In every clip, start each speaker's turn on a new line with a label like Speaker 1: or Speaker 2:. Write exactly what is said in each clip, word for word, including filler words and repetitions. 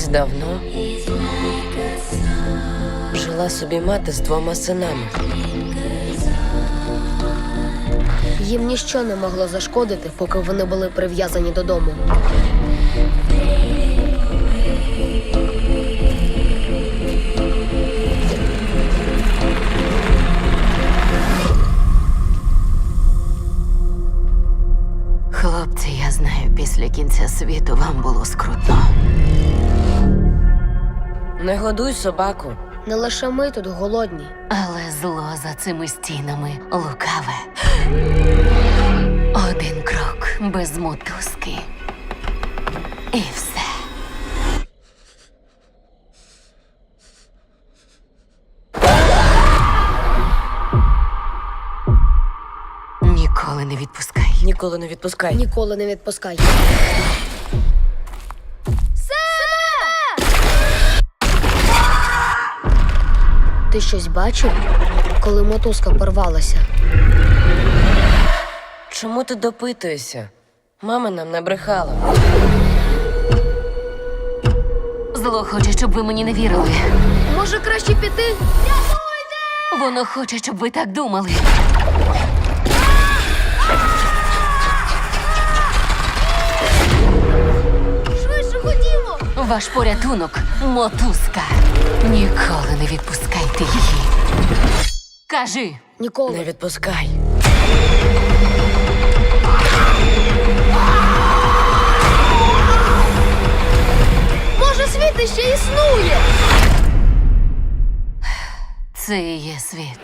Speaker 1: Колись давно жила собі мати з двома синами.
Speaker 2: Їм ніщо не могло зашкодити, поки вони були прив'язані додому.
Speaker 3: Хлопці, я знаю, після кінця світу вам було скрутно.
Speaker 1: Не годуй собаку.
Speaker 2: Не лише ми тут голодні.
Speaker 3: Але зло за цими стінами лукаве. Один крок без мотузки. І все. Ніколи не відпускай.
Speaker 1: Ніколи не відпускай.
Speaker 2: Ніколи не відпускай. Ти щось бачив, коли мотузка порвалася?
Speaker 1: Чому ти допитуєшся? Мама нам не брехала.
Speaker 3: Зло хоче, щоб ви мені не вірили.
Speaker 2: Може, краще піти?
Speaker 3: Воно хоче, щоб ви так думали.
Speaker 2: Швидше ходімо!
Speaker 3: Ваш порятунок – мотузка. Ніколи не відпускайте її. Кажи.
Speaker 2: Ніколи.
Speaker 1: Не відпускай.
Speaker 2: Може, світ іще існує?
Speaker 3: Це і є світ.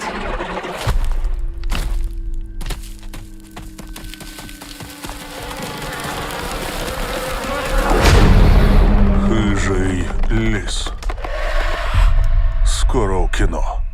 Speaker 4: Хижий ліс. Скоро в кіно.